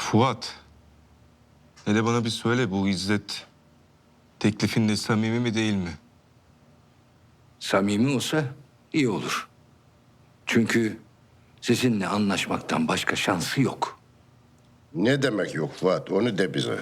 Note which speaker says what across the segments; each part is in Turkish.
Speaker 1: Fuat, hele bana bir söyle, bu İzzet teklifinde samimi mi değil mi?
Speaker 2: Samimi olsa iyi olur. Çünkü sizinle anlaşmaktan başka şansı yok.
Speaker 3: Ne demek yok Fuat? Onu de bize.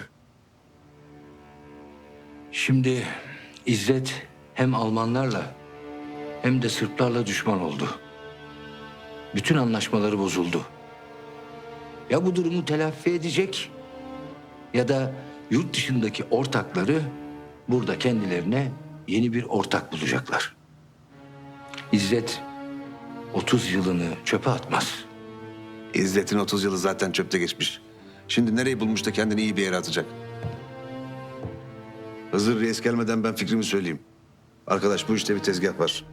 Speaker 2: Şimdi İzzet hem Almanlarla hem de Sırplarla düşman oldu. Bütün anlaşmaları bozuldu. Ya bu durumu telafi edecek ya da yurt dışındaki ortakları burada kendilerine yeni bir ortak bulacaklar. İzzet 30 yılını çöpe atmaz.
Speaker 4: İzzet'in 30 yılı zaten çöpte geçmiş. Şimdi nereyi bulmuş da kendini iyi bir yere atacak? Hızır Reis gelmeden ben fikrimi söyleyeyim. Arkadaş, bu işte bir tezgah var.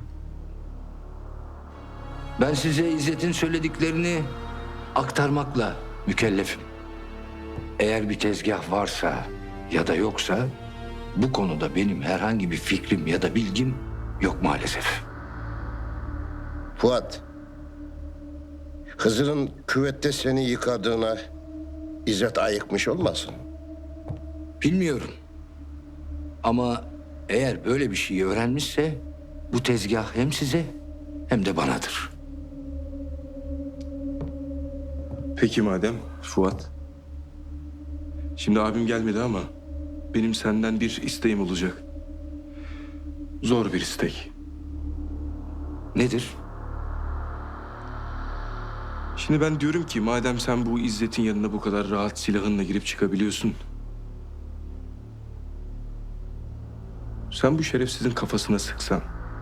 Speaker 2: Ben size İzzet'in söylediklerini aktarmakla mükellefim. Eğer bir tezgah varsa ya da yoksa bu konuda benim herhangi bir fikrim ya da bilgim yok maalesef.
Speaker 3: Fuat, Hızır'ın küvette seni yıkadığına İzzet ayıkmış olmasın?
Speaker 2: Bilmiyorum. Ama eğer böyle bir şey öğrenmişse bu tezgah hem size hem de banadır.
Speaker 1: Peki madem Fuat. Şimdi abim gelmedi ama benim senden bir isteğim olacak. Zor bir istek.
Speaker 2: Nedir?
Speaker 1: Şimdi ben diyorum ki madem sen bu İzzet'in yanına bu kadar rahat silahınla girip çıkabiliyorsun. Sen bu şerefsizin kafasına sıksan.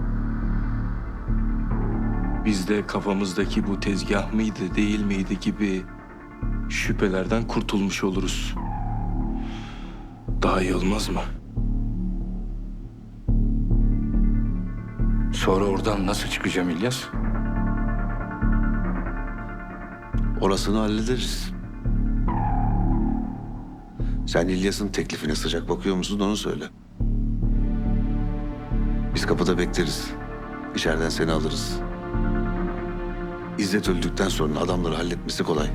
Speaker 1: Biz de kafamızdaki bu tezgah mıydı değil miydi gibi şüphelerden kurtulmuş oluruz. Daha iyi olmaz mı?
Speaker 2: Sonra oradan nasıl çıkacağım İlyas?
Speaker 4: Orasını hallederiz. Sen İlyas'ın teklifine sıcak bakıyor musun, onu söyle. Biz kapıda bekleriz. İçeriden seni alırız. İzzet öldükten sonra adamları halletmesi kolay.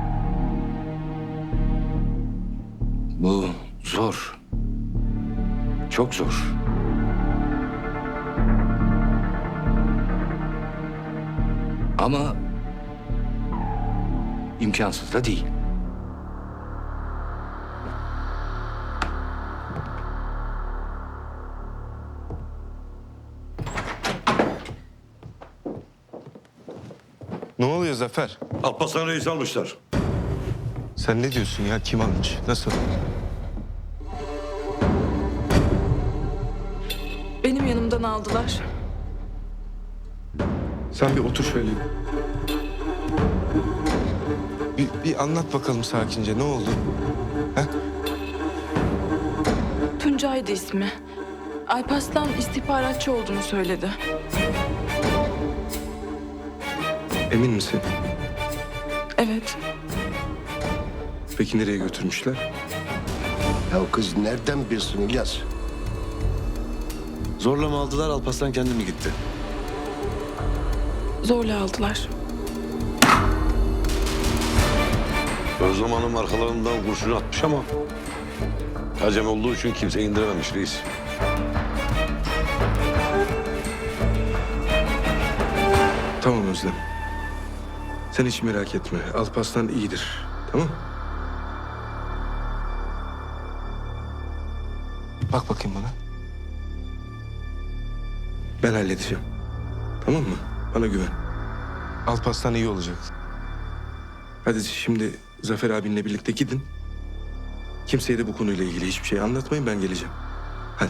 Speaker 2: Bu zor. Çok zor. Ama imkansız da değil.
Speaker 1: Ne oluyor Zafer?
Speaker 5: Alparslan Reis almışlar.
Speaker 1: Sen ne diyorsun ya? Kim almış? Nasıl?
Speaker 6: Benim yanımdan aldılar.
Speaker 1: Sen bir otur şöyle. Bir anlat bakalım sakince. Ne oldu? Ha?
Speaker 6: Tuncay'dı ismi. Alparslan istihbaratçı olduğunu söyledi.
Speaker 1: Emin misin?
Speaker 6: Evet.
Speaker 1: Peki nereye götürmüşler?
Speaker 3: Ya kız nereden bilsin İlyas?
Speaker 4: Zorla mı aldılar, Alparslan kendi mi gitti?
Speaker 6: Zorla aldılar.
Speaker 5: Özlem Hanım arkalarından kurşunu atmış ama acem olduğu için kimse indirememiş reis.
Speaker 1: Tamam Özlem. Sen hiç merak etme. Alparslan iyidir. Tamam? Bak bakayım bana. Ben halledeceğim. Tamam mı? Bana güven. Alparslan iyi olacak. Hadi şimdi Zafer abinle birlikte gidin. Kimseye de bu konuyla ilgili hiçbir şey anlatmayın. Ben geleceğim. Hadi.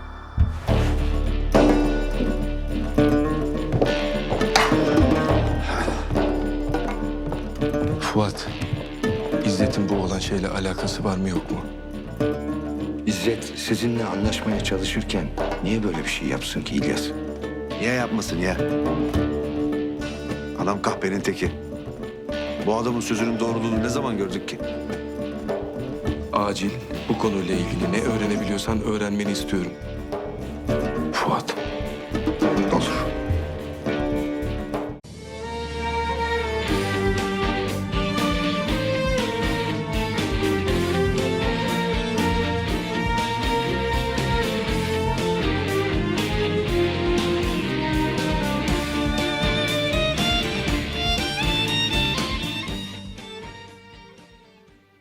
Speaker 1: Fuat, İzzet'in bu olan şeyle alakası var mı yok mu?
Speaker 2: İzzet sizinle anlaşmaya çalışırken niye böyle bir şey yapsın ki İlyas?
Speaker 4: Niye yapmasın ya? Adam kahpenin teki. Bu adamın sözünün doğruluğunu ne zaman gördük ki?
Speaker 1: Acil bu konuyla ilgili ne öğrenebiliyorsan öğrenmeni istiyorum. Fuat.